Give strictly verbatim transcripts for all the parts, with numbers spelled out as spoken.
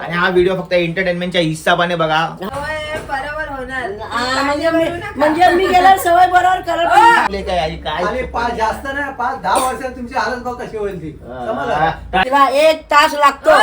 आणि हा व्हिडिओ फक्त एंटरटेनमेंटच्या हिस्साबाने बघा. बरोबर होणार म्हणजे मी म्हणजे मी गेल्यावर सवय बरोबर करत काय आई काय आणि पाच जास्त नाही पाच दहा वर्षात तुमची हालत बघ कशी होईल ती समजलं. तिला एक तास लागतो.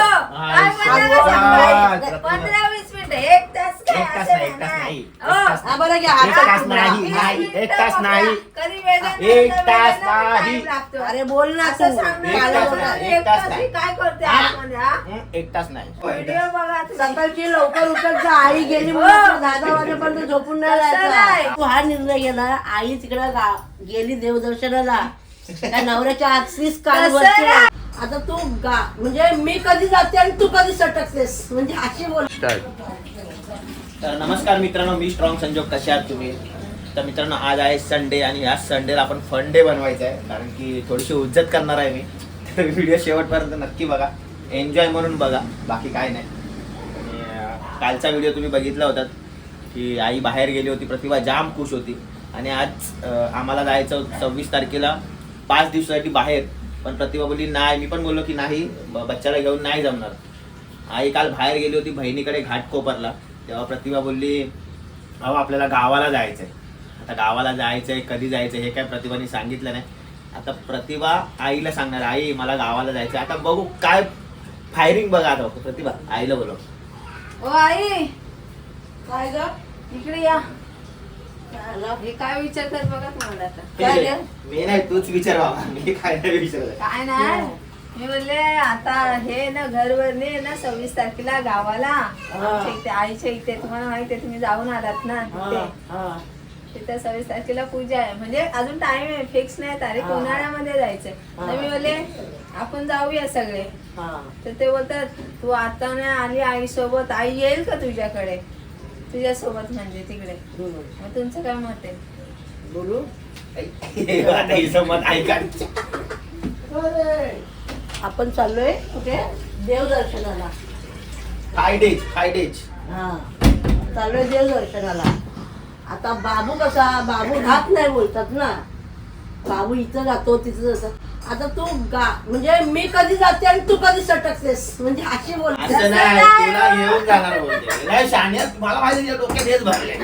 पंधरा वीस मिनिट एक तास काय एक तास असं नाही, एक तास नाही. हा बरं घ्या एक तास नाही नाही एक तास नाही कधी वेदना एक वेदना तास वेदना नाही. time लागतो. अरे बोल ना असं तू. सांग ना. एक तास बोलणार. नाही, एक एक तास तास नाही. ही काय करते हा? आतमध्ये, हा? हं, एक तास नाही. व्हिडिओ बघा तुम्ही. सकाळची लवकर उठत जा. आई गेली म्हणून दहा दहा वाजेपर्यंत झोपून नाही तसं राहायचा. नाही. तू हा निर्णय गेला. आई तिकडे गेली देवदर्शनाला. त्या नवऱ्याच्या आजचीच काल तसं वरती. नाही. आता तू गा म्हणजे मी कधी जाते आणि तू कधी सटकतेस म्हणजे अशी बोल. तर नमस्कार मित्रांनो, मी स्ट्रॉंग संजोग. कसे आहात तुम्ही? तर मित्रांनो, आज आहे संडे आणि या संडेला आपण फन डे बनवायचा आहे, कारण की थोडीशी उज्जत करणार आहे मी. तर व्हिडिओ शेवटपर्यंत नक्की बघा, एन्जॉय म्हणून बघा, बाकी काय नाही. आणि अं, कालचा व्हिडिओ तुम्ही बघितला होता की आई बाहेर गेली होती, प्रतिभा जाम खुश होती. आणि आज अं, आम्हाला जायचं होतं सव्वीस तारखेला पाच दिवसासाठी बाहेर, पण प्रतिभा बोलली नाही. मी पण बोललो की नाही, ब- बच्चाला घेऊन नाही जमणार. आई काल बाहेर गेली होती बहिणीकडे घाटकोपरला. तेव्हा प्रतिभा बोलली अहो आपल्याला गावाला जायचं आहे. आता गावाला जायचं आहे, कधी जायचं हे काय प्रतिभाने सांगितलं नाही. आता प्रतिभा आईला सांगणार आई मला गावाला जायचं आहे. आता बघू काय फायरिंग बघा. आता प्रतिभा आईला बोलव. ओ आई काय ग इकडे या. काय झालं? हे काय विचारतात बघा तुम्हाला आता. काय रे? मी नाही, तूच विचार बाबा, मी काय नाही विचारलं. काय नाही मी बोलले आता हे ना घरवरने ना सव्वीस तारखेला गावाला आमच्या इथे आईच्या इथे तुम्हाला माहिती आहे तुम्ही जाऊन आलात ना तिथे. हा, हा. तिथे सव्वीस तारखेला पूजा आहे, म्हणजे अजून टाइम आहे, फिक्स नाही तारीख. हा. उन्हाळ्यामध्ये जायचंय. तर मी बोलले आपण जाऊया सगळे. हा. तर ते बोलतात तू आता नाही आली आई सोबत, आई येईल का तुझ्याकडे, तुझ्या सोबत म्हणजे तिकडे. हम्म. मग तुमचं काय मत आहे? बोलू आता हिचं मत ऐका. आपण चाललोय कुठे देवदर्शनाला. फाय डेज फाय डेज हा चाललोय देवदर्शनाला. आता बाबू कसा बाबू घात नाही बोलतात ना. बाबू इथं जातो तिथं जातो. आता तू गा म्हणजे मी कधी जाते आणि तू कधी सटकतेस म्हणजे अशी बोलते. असं नाही, तुला घेऊन जाणार बोलते. नाही शाण्यात, मला माहिती आहे, डोक्यात हेच भरले.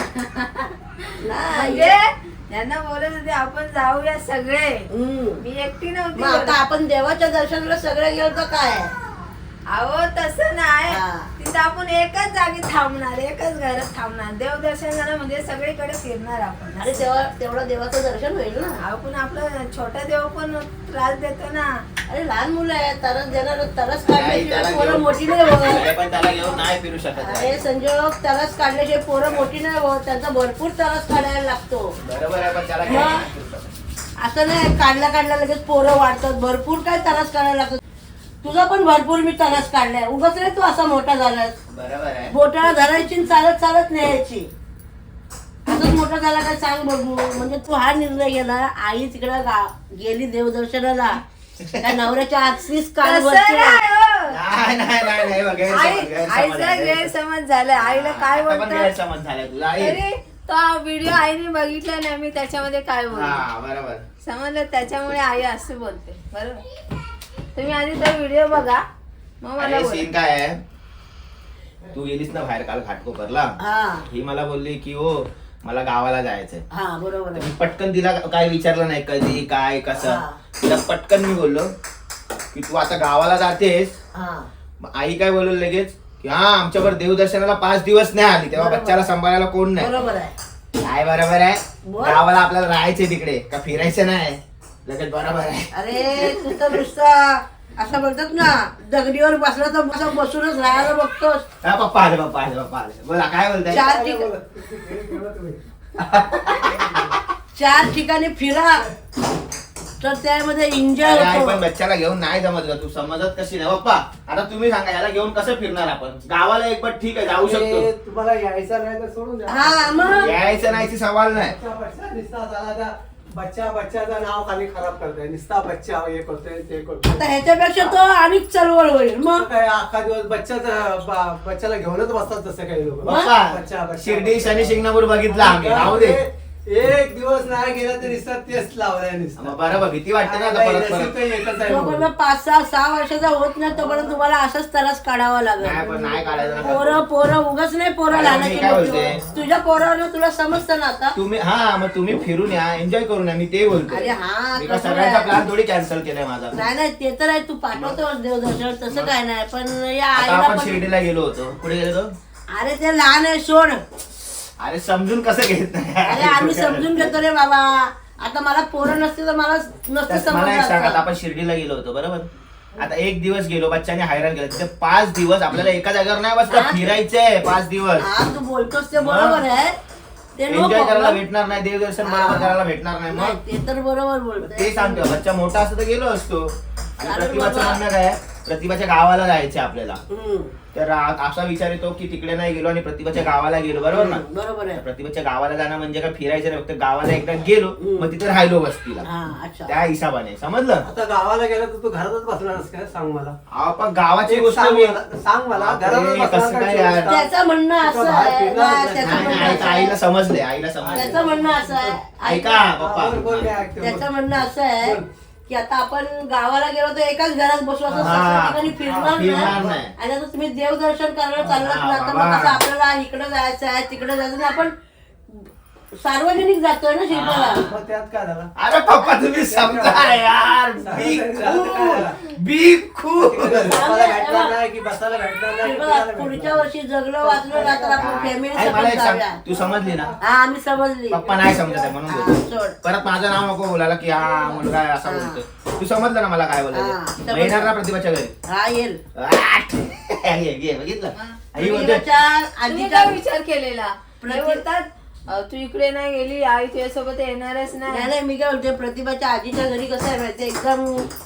नाही. म्हणजे यांना बोलत होते आपण जाऊया सगळे. हम्म. मी एकटी नव्हती मग आता बोलत. आपण देवाच्या दर्शनाला सगळे गेलो तर काय. अहो तसं नाही, हा. तिथं आपण एकच जागी थांबणार, एकच घरात थांबणार. देवदर्शनाला म्हणजे सगळीकडे फिरणार आपण. अरे तेव्हा तेवढं देवाचं दर्शन होईल ना. आपण आपलं छोटा देव पण त्रास देतो ना. अरे लहान मुलं आहे तरच देणार तरच नाही, काढल्याशिवाय त्याला पोरं घेऊन- मोठी नाही होत. नाही, पण त्याला घेऊन नाही फिरू शकत. अरे संजोग तरच काढल्याशिवाय पोरं मोठी नाही होत. त्यांचा भरपूर तरच काढायला लागतो. बरोबर आहे, पण त्याला घेऊन नाही फिरू शकत. असं नाही काढल्या काढल्या लगेच पोरं वाढतात. भरपूर काय तरस काढायला लागतं. तुझा पण भरपूर मी तरस काढलाय. उगाच रे तू असा मोठा झालास. बरोबर आहे. बोटाला धरायची आणि चालत चालत न्यायची. असंच मोठा झाला काय सांग बघू. म्हणजे तू हा निर्णय गेला. आई तिकडे गेली देवदर्शनाला. त्या नवऱ्याच्या आजचीच काल तसं वरती. नाही, हो. नाही नाही नाही नाही, बघ, गैरसमज, आई गैरसमज आईचा आहे. गैरसमज झालाय. आईला काय आता पण बोलतात गैरसमज झालाय तुला आई. अरे तो व्हिडिओ आईने बघितला नाही, मी त्याच्यामध्ये काय बोलले हा बरोबर. समजलं. त्याच्यामुळे आई असं बोलते. बरोबर. तुम्ही आधी तो व्हिडिओ बघा मग मला अरे बोला. सीन काय आहे, तू गेलीस ना बाहेर काल घाटकोपरला. हा ही मला बोलली की हो मला गावाला जायचंय. हा बरोबर तर आहे. मी पटकन तिला काय विचारलं नाही कधी काय कसं. हा. तिला पटकन मी बोललो की तू आता गावाला जातेस. हा मग आई काय बोललो लगेच की हा आमच्यावर देवदर्शनाला पाच दिवस नाही आली, तेव्हा बरोबर. बच्चाला सांभाळायला कोण नाही. बरोबर आहे. काय बरोबर आहे, बोल. गावाला आपल्याला राहायचंय तिकडे का फिरायचं नाही. लगेच बरोबर आहे. अरे तू तर नुसता असं बोलतात ना दगडीवर बसला तर असं बसूनच राहायला बघतोस. हा, पप्पा आले पप्पा आले पप्पा आले. बोला काय बोलताय. चार ठिकाणी चार ठिकाणी फिरा तर त्यामध्ये एन्जॉय अरे आई, पण होतो. बच्चाला घेऊन नाही जमत का, तू समजत कशी नाही. पप्पा आता तुम्ही सांगा याला घेऊन कसं फिरणार आपण. गावाला एक पण ठीक आहे जाऊ ए, शकतो, तुम्हाला यायचं नाही तर सोडून द्या. हा मग यायचं नाहीची सवाल नाही. बच्चा बच्चा निस्ता झाला त्या बच्चा बच्चाचं नाव खाली खराब करतोय. निस्ता बच्चा हे करतोय ते करतोय. आता ह्याच्यापेक्षा तो आणि चळवळ होईल. मग काय अख्खा दिवस बच्चाचं ब- बच्चाला घेऊनच बसतात तसं काही लोक. पप्पा शिर्डी शनी शिंगणापूर बघितला आम्ही, राहू दे. एक दिवस नाही गेला तरी नुसता तेच लावलाय नुसतं. मग बरोबर भीती वाटते ना आता नाही, परत नशीब परत काही एकच आहे तोपर्यंत म्हणून. पाच सहा सहा वर्षाचा होत नाही तोपर्यंत तुम्हाला असंच त्रास काढावा नाही लागेल. पण नाही काढायचं ना. पोरं पोरं उगाच नाही पोरं अरे, लहानाची मी काय मोठी बोलते? होत. तुझ्या पोरावर तुला समजतं ना आता. तुम्ही हा मग तुम्ही फिरून या एन्जॉय करून या मी ते बोलतोय. अरे हा, मी का तसं सगळ्यांचा नाही. प्लॅन थोडी कॅन्सल केलाय माझा. नाही नाही ते तर आहे, तू पाठवतो देवदर्शन तसं काय नाही, पण या आता आईला आपण पण शिर्डीला गेलो होतो. कुठे गेलो होतो? अरे ते लहान आहे सोड. अरे समजून कसं घेत अरे नाही आम्ही समजून घेतो रे बाबा. आता मला पोरं नसते तर मला नसतं त्यात मला एक सांगा, आता समजलं. आपण शिर्डीला गेलो होतो बरोबर. आता एक दिवस गेलो बच्चाने हैराण केलं. तिथे पाच दिवस आपल्याला एका जागेवर नाही बसता, हा. फिरायचंय पाच दिवस. हा तू बोलतोस ते बरोबर आहे, ते नो एन्जॉय करायला प्रॉब्लेम. भेटणार नाही, देवदर्शन बरोबर करायला भेटणार नाही. नाही, मग ते तर बरोबर बोलतोय. ते सांगतो, बच्चा मोठा असतो तर गेलो असतो. आणि चालेल प्रतिभाचं बाबा. म्हणणं काय आहे? प्रतिभाच्या गावाला जायचं आपल्याला. हम्म, तर आ- असा विचार येतो की तिकडे नाही गेलो आणि प्रतिभाच्या गावाला गेलो बरोबर ना. बरोबर तर आहे. प्रतिभाच्या गावाला जाणं म्हणजे काय फिरायचं नाही, फक्त गावाला एकदा गेलो हम्म. मग तिथे राहिलो वस्तीला. हा अच्छा. त्या हिशोबाने समजलं. आता गावाला गेला तर तू घरातच बसणारस काय सांग मला. अहो, पण गावाची एक गोष्ट सांग मी मला सांग मला बापरे, घरातच कसं बसणार काय काय यार? चोवीस तास? त्याचं म्हणणं असं कुठं बाहेर आहे फिरणार ना, नाही. त्याचं नाही, म्हणणं नाही, असं आईला आहे. समजले आईला समजले त्याचं म्हणणं असं आहे ऐका पप्पा. बोल, बोल, काय ऐकते, बोल. त्याचं म्हणणं असं आहे बोल. की आता आपण गावाला गेलो तर एकाच घरात बसू असं हा. सगळ्या ठिकाणी फिरणार फिरणार नाही. नाही. आणि आता तुम्ही देवदर्शन करायला चाललात हा, ना, तर मग बाबा. कसं आपल्याला इकडे जायचं आहे तिकडे जायचं नाही, आपण सार्वजनिक जातोय ना शिल्पाला. मग त्यात काय झालं? अरे पप्पा तुम्ही समजा यार. बी खूप बी खूप बसायला भेटणार नाही की बसायला भेटणार नाही की शिल्पा, फिरायला पुढच्या भेटणार वर्षी जगलो वाचलो ना तर आपण फॅमिली आई, मला एक सांग, जाऊया. तू समजली ना. हा आम्ही समजली. पप्पा नाही समजत आहे म्हणून हा, बोलतो. सोड. परत माझं नाव नको बोलायला की हा मुलगा आहे असा हा. बोलतो. तू समजलं ना मला काय हा, बोलायचं. समजलं. येणार ना प्रतिभाच्या घरी. हा येईल. आठ. ये, ये, बघितलं आई बोलते प्रतिभाच्या तुम्ही आजीच्या काय विचार केलेला? प्रति- हे बोलतात अं, तू इकडे नाही गेली आई तुझ्यासोबत येणारच नाही नाही. नाही, मी काय बोलते प्रतिभाच्या आजीच्या घरी कसं आहे माहिती एकदम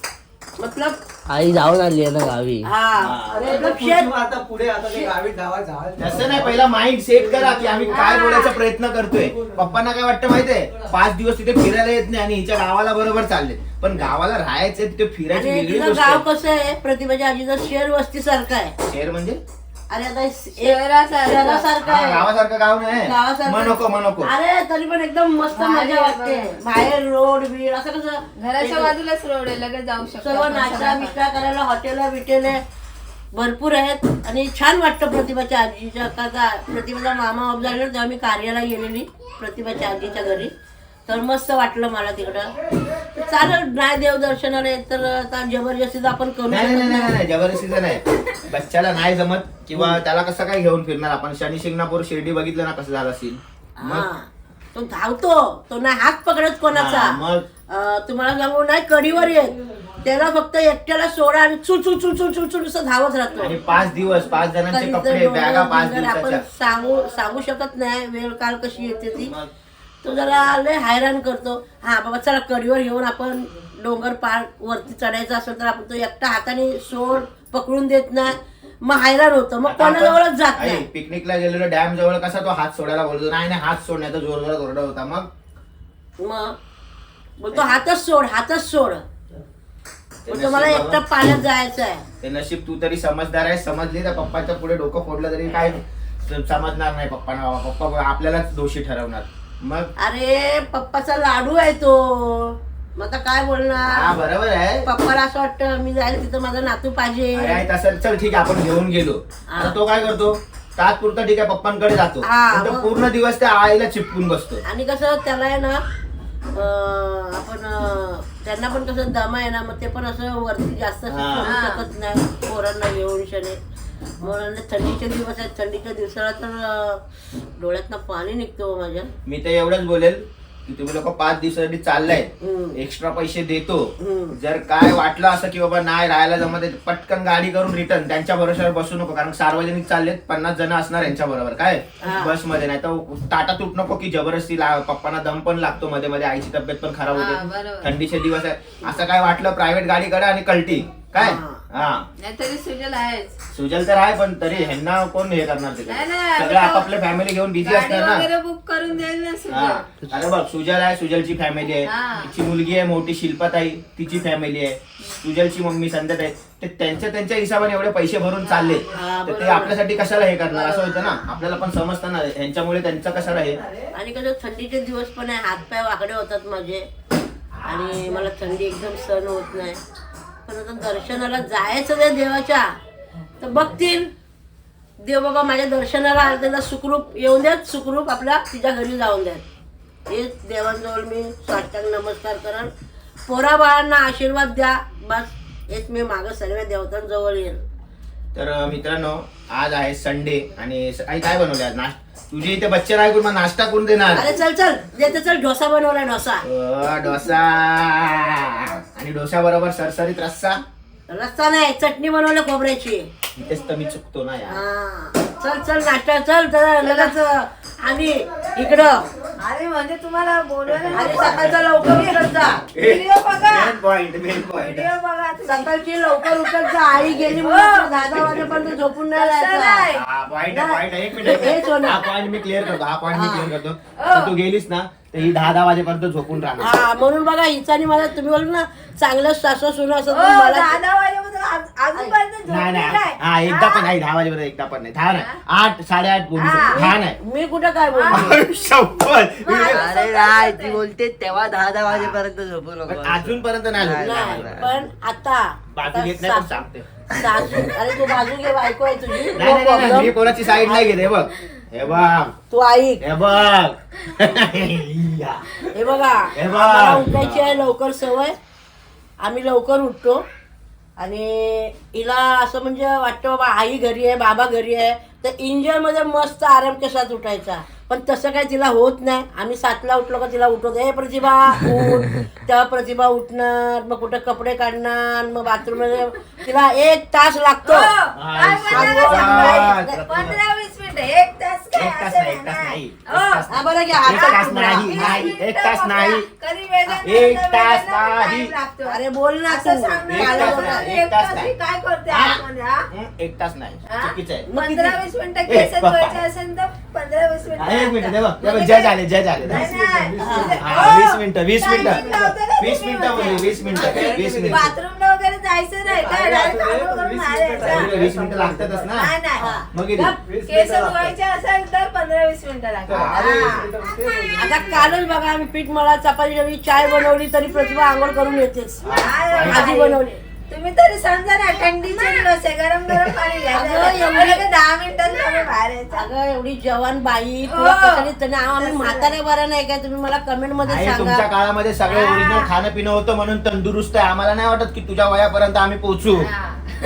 मतलब आई जाऊन आली आहे ना गावी. हा अरे मतलब पुढची शेत मग आता पुढे आता ते गावी गावात जावं. तसं नाही, पहिला माइंड सेट करा की आम्ही काय बोलायचा प्रयत्न करतोय. पप्पांना काय वाटतं माहितीये, पाच दिवस तिथे फिरायला येत नाही आणि हिच्या गावाला बरोबर चालले, पण गावाला राहायचंय तिथे फिरायची आणि वेगळी तिचं गोष्ट गाव आहे. कसं आहे प्रतिभाच्या आजीचं शहर वस्ती सारखं आहे. शहर म्हणजे अरे आता शहरासारखं. शहरासारखं हा, आहे. गावासारखं गाव नाही. गावासारखं. मग नको मग नको. अरे तरी पण एकदम मस्त भारी मजा आहे वाटते. बघ. बाहेर रोड बीड असं कसं घराच्या बाजूलाच रोड आहे, लगेच जाऊ शकतो सर्व आपण नाश्ता सगळं. बिष्टा करायला हॉटेल बिटेल भरपूर आहेत आणि छान वाटतं प्रतिभाच्या आजीच्या का का प्रतिभाचा मामा ऑफ झालेला तेव्हा मी कार्याला गेलेली प्रतिभाच्या आजीच्या घरी, तर मस्त वाटलं मला तिकडं. चालेल नाही देवदर्शनाला येत तर आता जबरदस्तीच आपण करू नाही नाही शकत नाही नाही. नाही जबरदस्तीचं नाही. बच्चाला नाही जमत किंवा त्याला कसं काय घेऊन फिरणार आपण. शनी शिंगणापूर शिर्डी बघितलं ना कसं झालं असेल. हा तो धावतो, तो नाही हात पकडत कोणाचा. हा, मग अं, तुम्हाला सांगू नाही कडीवर येत, त्याला फक्त एकट्याला सोडा आणि चू चू चू चू चू चू असं धावत राहतो. आणि पाच दिवस पाच जणांचे कधी कपडे जर बॅगा डोंगर पाच बिंगर आपण दिवसाच्या. सांगू सांगू शकत नाही वेळ काल कशी येते ती. मग तो जरा लय हैराण करतो. हा बाबा चला कडीवर घेऊन आपण डोंगर पार वरती चढायचं असेल तर आपण तो एकटा हाताने सोड पकडून देत नाही, मग हैराण होतं, मग आता आपण- कोणाजवळच जात आई, नाही. पिकनिकला गेलेलो डॅम जवळ कसा तो हात सोडायला बोलतो. नाही नाही हात सोडण्याचा जोर जोरात ओरडा होता. मग मग बोलतो हातच सोड हातच सोड. ते बोलतो मला नशीब एकटा बाबा. पाण्यात जायचं आहे. ते नशीब तू तरी समजदार आहे. समजली तर पप्पाच्या पुढे डोकं फोडलं तरी काय समजणार नाही पप्पाना. बाबा पप्पा आपल्यालाच दोषी ठरवणार. मग अरे पप्पाचा लाडू आहे तो, मग आता काय हा बोलणार. बरोबर आहे. पप्पाला असं वाटतं मी जायला तिथं माझा नातू पाहिजे. अरे आई, तसं चल ठीक आहे आपण घेऊन गेलो. आता तो काय करतो, तात्पुरता ठीक आहे पप्पांकडे जातो, हा, पण तो मग- पूर्ण दिवस त्या आईला चिपकून बसतो. आणि कसं त्याला आहे ना अं, आपण अं, त्यांना पण कसं दमा आहे ना, मग ते पण असं वरती जास्त असं हा. चढू शकत नाही पोरांना घेऊन शने. म्हणून थंडीचे दिवस आहेत, थंडीच्या दिवसाला तर अं, डोळ्यातनं पाणी निघतो माझ्या. मी तर एवढंच बोलेल की तुम्ही लोक पाच दिवसासाठी चाललाय, हम्म. एक्स्ट्रा पैसे देतो. हम्म. जर काय वाटलं असं की बाबा नाही राहायला जमत आहे, पटकन गाडी करून रिटर्न त्यांच्या भरोश्यावर बसू नको. कारण सार्वजनिक चाललेत, पन्नास जण असणार यांच्या बरोबर काय हा. बस मध्ये. नाही तर टाटा तुट नको की जबरदस्ती ला- पप्पांना दम पण लागतो मध्ये मध्ये, आईची तब्येत पण खराब हा, होते. बरोबर. थंडीचे दिवस आहे, असं काय वाटलं प्रायव्हेट गाडी करा आणि कल्टी काय हा. हा नाहीतरी सुजल आहेच. सुजल तर आहे पण तरी ह्यांना कोण हे करणार ते नाही, नाही, सगळे आपापल्या फॅमिली घेऊन बिझी गाडी असतात ना. वगैरे बुक करून देईल ना हा सुजल. अरे बघ सुजल आहे, सुजलची फॅमिली आहे, हा. तिची मुलगी आहे मोठी शिल्पाताई, तिची फॅमिली आहे, सुजलची मम्मी संध्याताई, ते त्यांच्या त्यांच्या हिशोबाने एवढे पैसे भरून चालले हा, तर ते बरोबर. आपल्यासाठी कशाला हे करणार असं होतं ना. आपल्याला पण समजतं ना ह्यांच्यामुळे त्यांचं कशाला हे. आणि कसं थंडीचे दिवस पण आहे, हातपाय वाकडे होतात माझे आणि मला थंडी एकदम सहन होत नाही. पण आता दर्शनाला जायचं त्या देवाच्या तर बघतील देव बाबा माझ्या दर्शनाला आले, त्यांना सुखरूप येऊन द्यात, सुखरूप आपल्या तिच्या घरी जाऊन द्यात. हेच देवांजवळ मी साष्टांग नमस्कार करन, पोरा बाळांना आशीर्वाद द्या, बस हेच मी मागं सर्व देवतांजवळ येईल. तर अं, मित्रांनो आज आहे संडे आणि स- आई काय बनवले आज नाश्ता? तुझी इथे बच्चे राय मग नाश्ता करून देणार. अरे चल चल देते चल, डोसा बनवलाय डोसा. अं, डोसा आणि डोसा बरोबर सरसरीत रस्सा. रस्ता नाही, चटणी बनवली खोबऱ्याची. इथेच तर मी चुकतो ना यार. हा. चल चल नाश्ता चल जरा लगेच आणि इकडं अरे म्हणजे तुम्हाला बोलवायला आणि सकाळचा लवकर उठत जा. व्हिडिओ बघा, main point main point video बघा तुम्ही. सकाळची लवकर उठत जा. आई गेली म्हणून दहा दहा वाजेपर्यंत झोपून नाही तसं राहायचं. नाही. हा पॉइंट आहे पॉइंट आहे एक हे मिनिट सोनं. हा पॉइंट मी क्लिअर करतो हा पॉइंट मी हा. क्लिअर करतो तर तू गेलीस ना तर ही दहा दहा वाजेपर्यंत झोपून राहणार. हा म्हणून बघा हिचा आणि माझा तुम्ही बोल ना चांगलं सासू सुना असं हो, तर मला दहा दहा वाजेपर्यंत आज- अजूनपर्यंत नाही झोपली नाही नाही. हा एकदा पण हा? नाही दहा वाजेपर्यंत एकदा पण नाही दहा नाही आठ साडेआठ बोलू हा. शकतो. दहा नाही मी कुठं काय बोलतो. शपथ. अरे नाही ती बोलते तेव्हा दहा दहा वाजेपर्यंत झोपू पण नको. अजूनपर्यंत नाही झोपली. नाही पण आता बाजू आता घेत नाही पण सासू- सांगते सासू अरे तू बाजू घे, बायको आहे तुझी. नाही नाही, No नाही नाही, मी problem. कोणाची साईड नाही घेत हे बघ हे बघ तू ऐक हे बघ या. हे बघा हे बघ. आम्हाला उठायची आहे लवकर सवय, आम्ही लवकर उठतो आणि हिला असं म्हणजे वाटतं बाबा आई घरी आहे बाबा घरी आहे तर एन्जॉय मध्ये मस्त आराम कशात उठायचा. पण तसं काय तिला होत नाही. आम्ही सातला उठलो का तिला उठवतो, ए प्रतिभा उठ. तेव्हा प्रतिभा उठणार, मग कुठे कपडे काढणार, मग बाथरूम मध्ये तिला एक तास लागतो. हो, काय बोलणार सांगू. सांगा. पंधरा वीस मिनिटं एक तास काय एक तास असं नाही, एक तास नाही. हो. एक तास हा बरं घ्या एक तास आता नाही, वीस नाही, मिनिटं एक तास बघा. नाही. कधी वेळेला एक नंतर तास वेळेला नाही. time लागतो. अरे बोल ना असं तू. सांगणार एक नाही. तास बोलणार नाही, एक एक तास तास नाही. ही काय करते हा? आतमध्ये, हा? हं, एक तास नाही हा? चुकीचं आहे. मग किती? पंधरा वीस मिनिटं ए, केस बाप्पा. धुवायचे असेल तर पंधरा वीस हा, एक मिनिट मिनिटं दे बघ लागतात. दे बघ, जज आले जज आले नाही, नाही. हा, हो. वीस मिनिटं वीस Timing मिनिटं लावतो ना वीस तुम्ही मिनिटं होते. बोलली वीस मिनिटं वीस मिनिटं बाथरूमला वगैरे जायचं नाही काय अरे, डायरेक्ट अरे, आंघोळ करून वीस बाहेर मिनिटं यायचं. जायचं. वीस मिनिटं लागतातच ना नाही नाही मग किती? वीस केस मिनिटं धुवायचे असेल तर पंधरा वीस मिनिटं अरे, लागतात वीस हा. मिनिटं ते बोलले. आता कालच बघा आम्ही पीठ मला चपाती जरी चाय बनवली तरी प्रतिभा आंघोळ करून येतेच. अरे आधी बाई. बनवली. तुम्ही तरी समजा ना थंडीचे दिवस आहे गरम गरम पाणी अगं, घ्यायचं एवढी- लगेच दहा मिनिटात तुम्ही बाहेर यायचं. अगं एवढी जवान बाई तुला हो. कशाने त्याने आम्ही म्हातारे बरं नाही काय तुम्ही मला कमेंट मध्ये आहे तुमच्या सांगा. काळामध्ये सगळे हा. ओरिजिनल खाणं पिणं होतं म्हणून तंदुरुस्त आहे. आम्हाला नाही वाटत की तुझ्या वयापर्यंत आम्ही पोहोचू हा.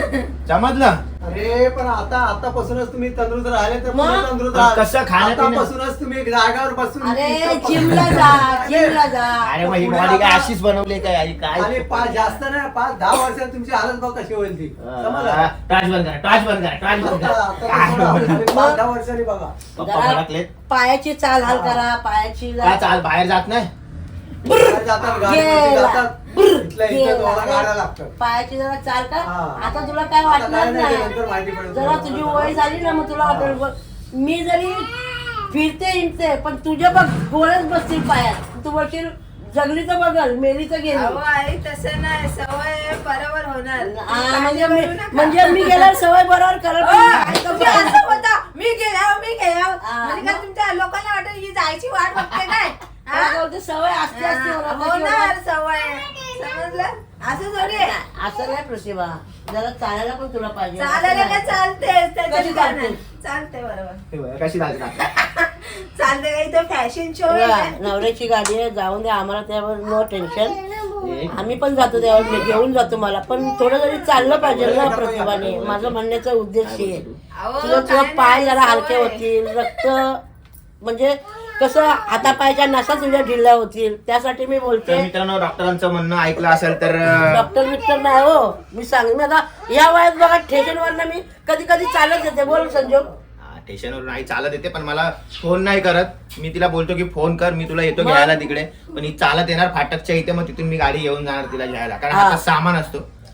समजलं अरे पण आता आतापासूनच तुम्ही तंदुरुस्त राहिले तर पुढे मग? तंदुरुस्त पण राहाल. कसं खाणं-पिणं? आतापासूनच तुम्ही जागावर बसून अरे इथं बसून- जिमला जा जिमला जा. अरे मग ही पुढे बॉडी काय आता- अशीच बनवली काय आई काय आणि पाच जास्त नाही पाच दहा वर्षात तुमची हालत बघ कशी होईल ती समजलं? टॉर्च बंद करा टॉर्च बंद करा टॉर्च बंद आता- आता कसं राहतं? करा आणि पाच दहा वर्षांनी बघा पप्पा जरा भडकलेत पायाची चाल हाल करा पायाची का जा. चाल बाहेर जात नाही बाहेर जातात गाडीमध्ये गेला. जातात इथल्या इथं गेला. तुम्हाला गाड्या लागतात पायाची जरा चाल का हा. आता तुला काय आता वाटणार काय नाही, नंतर नाही. माहिती पडेल जरा तुम्हाला. तुझी वय झाली ना मग तुला वाटेल बघ, मी जरी फिरते हिंडते पण तुझ्या बघ गोळच बसतील पायात. तू बसशील जगली तर बघल मेली तर गेली. अहो आई तसं नाही सवय बरोबर होणार हा, म्हणजे काळजी मी करू नका. म्हणजे मी गेल्यावर सवय बरोबर करत हो, नाही. तुम्ही असं बोलता, मी गेल्यावर मी गेल्यावर हा, म्हणजे काय मग? तुमच्या लोकांना वाटत ही जायची वाट बघते काय हा? मला बोलते सवय असते असते हा, ओरडण्याची होणार ओरड. सवय समजलं असं थोडी आहे. असं नाही प्रतिभा जरा चालायला पण तुला पाहिजे. चालायला काय चालते त्याच्यात कशी काय चालते? नाही. चालते बरोबर हे बघ, कशी चालते आता. चालते काही तो फॅशन शो बघा, नवऱ्याची गाडी आहे जाऊन दे आम्हाला त्यावर नो टेन्शन. एक, आम्ही पण जातो त्यावर मी घेऊन जातो मला पण थोडं जरी चाललं पाहिजे ना प्रतिभाने. माझा म्हणण्याचा उद्देश आहे तुझं तुझं पाय जरा हलके होतील रक्त म्हणजे कसं हातापायच्या नसा तुझ्या ढिल्या होतील त्यासाठी मी तर बोलते. मित्रांनो डॉक्टरांचं म्हणणं ऐकलं असेल तर अं, डॉक्टर बिक्टर नाही हो मी सांग मी आता या वयात बघा स्टेशनवर मी कधी कधी चालत येते बोल संजोग. हा, स्टेशनवर नाही चालत येते पण मला फोन नाही करत. मी तिला बोलतो की फोन कर मी तुला येतो मग? घ्यायला तिकडे पण ही चालत येणार फाटकच्या इथे मग तिथून मी गाडी घेऊन जाणार तिला घ्यायला कारण हा. आता सामान असतो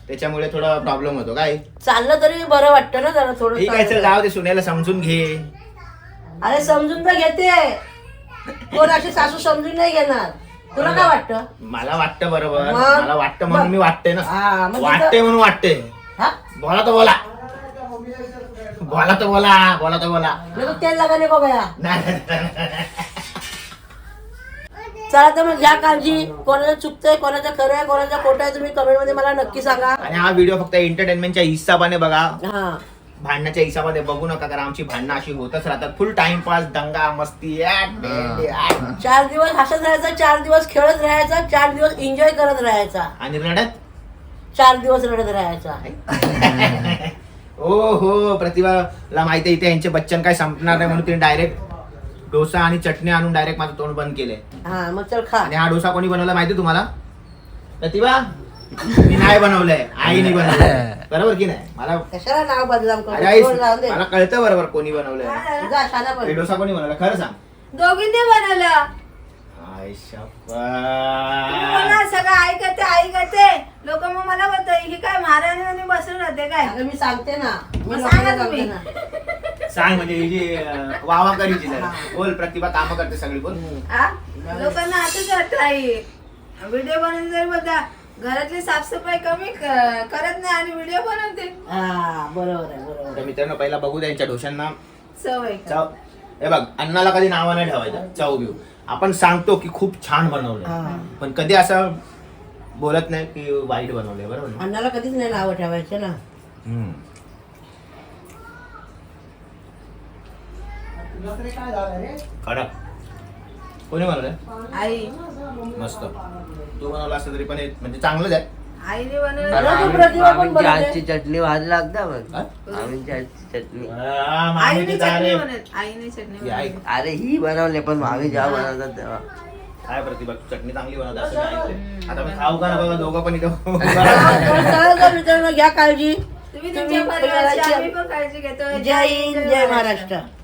त्याच्यामुळे थोडा प्रॉब्लेम होतो काय. चाललं तरी बरं वाटतं ना जरा थोडं ठीक आहे चल चाललं. जाऊ दे, सुनेला समजून घे. अरे समजून तर घेते, कोण अशी सासू समजून नाही घेणार. तुला काय वाटतं? मला वाटतं बरोबर, मग? मला वाटतं म्हणून मी वाटते ना. हा, मग वाटते तिथं- म्हणून वाटते. हा? बोला तर बोला, बोला तर बोला, बोला तर बोला. नाही तर तेल लगाने को गया. नाही. चला तर मग घ्या काळजी. कोणाचं चुकतंय, कोणाचं खरं आहे, कोणाचं खोटं आहे, तुम्ही कमेंट मध्ये मला नक्की सांगा. आणि हा व्हिडिओ फक्त एंटरटेनमेंटच्या हिसाबाने बघा, हा भांडण्याच्या हिसाबाने बघू नका, कारण आमची भांडणं अशी होतच राहतात. फुल टाइमपास, दंगा मस्ती, ऍट, ऍट, ऍट. चार दिवस हसत राहायचं, चार दिवस खेळत राहायचं, चार दिवस एन्जॉय करत राहायचा, आणि रडत चार दिवस रडत राहायचा. हो हो, प्रतिभाला माहिती आहे इथे यांचे बच्चन काय संपणार नाही म्हणून तिने डायरेक्ट डोसा आणि चटणी आणून डायरेक्ट माझं तोंड बंद केलंय. हा मग चल खा. आणि हा डोसा कोणी बनवला माहिती तुम्हाला? प्रतिभा, मी नाही बनवलंय, आईने बनवलंय. बरोबर की नाही? मला कशाला नाव बदनाम अरे आई, करू? जाऊ दे. मला कळतं बरोबर कोणी बनवलंय. जा, शाळा हे पण. डोसा कोणी बनवला खरं सांग. दोघींनी बनवलं. आय तुम्ही मला शप्पथ. सगळं ऐकते ऐकते लोक मग मला बोलतात ही काय महाराणी बसून राहते काय. अगं मी सांगते ना, मी मग लोकांना सांगा सांगते तुम्ही. ना. सांग म्हणजे ही जी अं, वावा करीची जरा. बोल प्रतिभा, कामं करते सगळी, बोल. आ? लोकांना असंच वाटतं आई व्हिडिओ बनवून जर बघा घरातली साफसफाई कमी क- करत नाही आणि व्हिडिओ बनवते. हा बरोबर आहे, बरोबर आहे. तर मित्रांनो पहिला बघू द्या यांच्या डोशांना सवय चव. हे बघ, अन्नाला कधी नावा नाही ठेवायचं, चव घेऊ. आपण सांगतो की खूप छान बनवलंय, हा. पण कधी असं बोलत नाही की वाईट बनवलंय. बरोबर ना? अण्णाला कधीच नाही नावं ठेवायचे ना. हम्म. तुला तरी काय झालं रे? कडक. कोणी बनवलंय? आई मस्त. तू बनवलं असतं तरी पण हे म्हणजे चांगलंच आहे. आईने बनवलं. अरे तू प्रतिभा पण आमची बनवते. आजची चटणी भाजी लागता मग हा? आमची आजची चटणी आ, मामीची आईने तारे. चटणी बनवत आईने चटणी ही आई. बनवत. अरे ही बनवले पण मामी जेव्हा बनवतात तेव्हा काय प्रतिभा, तू चटणी चांगली बनवत असं मी ऐकलंय. आता मी खाऊ का ना बघा, दोघं पण इथं. पण चला तर मित्रांनो, घ्या काळजी. तुम्ही तुम्ही तुमच्या परिवाराची परिवाराची- आम्ही पण काळजी घेतो. जय हिंद, जय महाराष्ट्र.